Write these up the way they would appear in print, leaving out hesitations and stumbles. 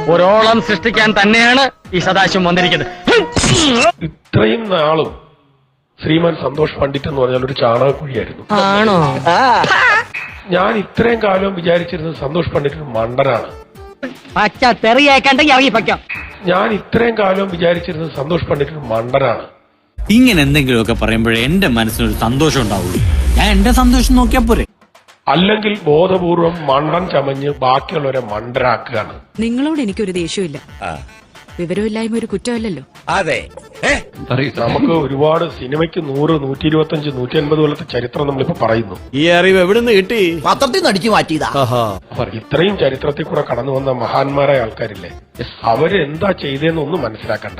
ഒരോളം സൃഷ്ടിക്കാൻ തന്നെയാണ് ഈ സദാശിവം വന്നിരിക്കുന്നത്. ഇത്രയും നാളും ശ്രീമാൻ സന്തോഷ് പണ്ഡിറ്റ് എന്ന് പറഞ്ഞാൽ ഒരു ചാണകക്കുഴിയായിരുന്നു. ആണോ? ഞാൻ ഇത്രയും കാലം വിചാരിച്ചിരുന്നത് സന്തോഷ് പണ്ഡിറ്റ് മണ്ടനാണ്. പച്ച തെറിയേക്കണ്ടെങ്കിൽ ഇറങ്ങി പയ്ക്കാം. ഞാൻ ഇത്രയും കാലം വിചാരിച്ചിരുന്നത് സന്തോഷ് പണ്ഡിറ്റ് മണ്ടനാണ്. ഇങ്ങനെ എന്തെങ്കിലുമൊക്കെ പറയുമ്പോഴേ എന്റെ മനസ്സിനൊരു സന്തോഷം ഉണ്ടാവുള്ളൂ. ഞാൻ എന്റെ സന്തോഷം നോക്കിയാ പോരെ. അല്ലെങ്കിൽ ബോധപൂർവം മണ്ടൻ ചമഞ്ഞ് ബാക്കിയുള്ളവരെ മണ്ടരാക്കുകയാണ്. നിങ്ങളോട് എനിക്കൊരു ദേഷ്യമില്ല. വിവരമില്ലായ്മ ഒരു കുറ്റമല്ലല്ലോ. അതെ, നമുക്ക് ഒരുപാട് സിനിമയ്ക്ക് 100, 125, 150 കൊല്ലത്തെ ചരിത്രം നമ്മളിപ്പോ പറയുന്നു. ഈ അറിവ് എവിടുന്ന് കിട്ടി? പത്രത്തിൽ നിന്ന് അടിച്ചു മാറ്റിയതാ. ഇത്രയും ചരിത്രത്തിൽ കൂടെ കടന്നു വന്ന മഹാന്മാരായ ആൾക്കാരില്ലേ, അവരെന്താ ചെയ്തതെന്ന് ഒന്നും മനസ്സിലാക്കണ്ട.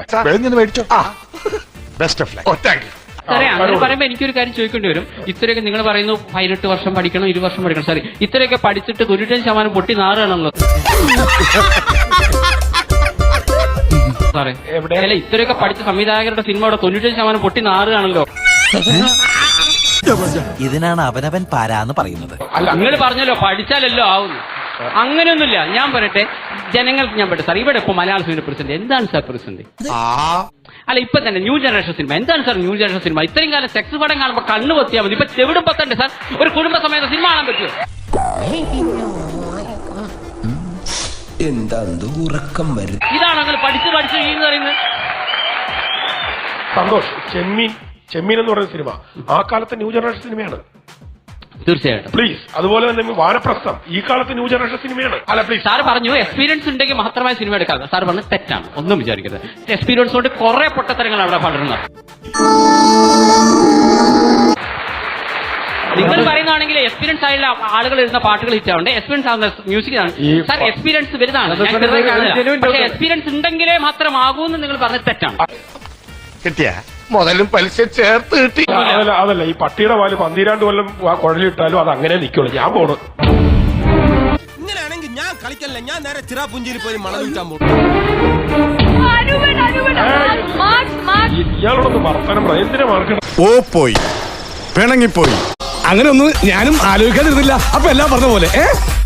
സാറേ, അങ്ങനെ പറയുമ്പോ എനിക്കൊരു കാര്യം ചോദിക്കേണ്ടി വരും. ഇത്രയൊക്കെ നിങ്ങൾ പറയുന്നു 18 വർഷം പഠിക്കണം, 20 വർഷം പഠിക്കണം. സാറേ, ഇത്രയൊക്കെ പഠിച്ചിട്ട് 95% പൊട്ടി നാറുകയാണല്ലോ സാറേ. അല്ല, ഇത്രയൊക്കെ പഠിച്ച സംവിധായകരുടെ സിനിമയുടെ 95% പൊട്ടി നാറുകയാണല്ലോ. ഇതിനാണ് അവനവൻ പാരാന്ന് പറയുന്നത്. നിങ്ങൾ പറഞ്ഞല്ലോ പഠിച്ചാലല്ലോ ആവുന്നു. അങ്ങനെയൊന്നുമില്ല. ഞാൻ പറയട്ടെ, ജനങ്ങൾക്ക് ഞാൻ പറയട്ടെ സാർ, ഇവിടെ ഇപ്പൊ മലയാള സിനിമ പ്രതിസന്ധി എന്താണ് സാർ പ്രതിസന്ധി? അല്ല, ഇപ്പൊ തന്നെ ന്യൂ ജനറേഷൻ സിനിമ എന്താണ് സാർ? ന്യൂ ജനറേഷൻ സിനിമ ഇത്രയും കാലം സെക്സ് പടം കാണുമ്പോ കണ്ണു പൊത്തിയാൽ മതി. ഇപ്പൊ ചെവിടും പത്തണ്ട് സാർ. ഒരു കുടുംബ സമയത്ത് സിനിമ കാണാൻ പറ്റുമോ? എന്താ ഉറക്കം വരും? ഇതാണ് അങ്ങനെ പഠിച്ച് പഠിച്ച് എന്ന് പറയുന്നത്. സന്തോഷ്, ചെമ്മീൻ എന്ന് പറയുന്ന സിനിമ ആ കാലത്തെ ന്യൂ ജനറേഷൻ സിനിമയാണ്. തീർച്ചയായിട്ടും. പ്ലീസ്. അതുപോലെ തന്നെ വാനപ്രസ്ഥം ഈ കാലത്ത് ന്യൂ ജനറേഷൻ സിനിമയാണ്. അല്ല, പ്ലീസ്. സാർ പറഞ്ഞു എക്സ്പീരിയൻസ് ഉണ്ടെങ്കിൽ മാത്രമായി സിനിമ എടുക്കാം. സാർ പറഞ്ഞു തെറ്റാണ്, ഒന്നും വിചാരിക്കരുത്. എക്സ്പീരിയൻസ് കൊണ്ട് കുറെ പൊട്ടത്തരങ്ങൾ അവിടെ പടരുന്നത്. നിങ്ങൾ പറയുന്നതാണെങ്കിൽ എക്സ്പീരിയൻസ് ആയുള്ള ആളുകൾ എഴുതുന്ന പാട്ടുകൾ ഹിറ്റ് ആവണ്ടേ? എക്സ്പീരിയൻസ് ആവുന്ന മ്യൂസിക് ആണ് സാർ. എക്സ്പീരിയൻസ് വരുന്നതാണ്. പക്ഷേ എക്സ്പീരിയൻസ് ഉണ്ടെങ്കിലേ മാത്രമാകൂ എന്ന് നിങ്ങൾ പറഞ്ഞത് തെറ്റാണ്. കിട്ടിയ മുതലും പലിശ ചേർത്ത് കിട്ടി. അതല്ല, ഈ പട്ടിയുടെ പാല് 12 കൊല്ലം കുഴലിട്ടാലും അത് അങ്ങനെ നിൽക്കുള്ളൂ. ഞാൻ പോണു. ഇങ്ങനെയാണെങ്കിൽ ഞാൻ കളിക്കല്ല, ഞാൻ നേരെ ചിറാപുഞ്ചിയിൽ പോയി മണം വിൽക്കാൻ പോകും. ഇയാളോടൊന്ന് വർത്തമാനം പറയാം. എന്തിനാ മാർക്കണം? പോയി പിണങ്ങിപ്പോയി. അങ്ങനെ ഒന്നും ഞാനും ആലോചിക്കാതിരുന്നില്ല. അപ്പൊ എല്ലാം പറഞ്ഞ പോലെ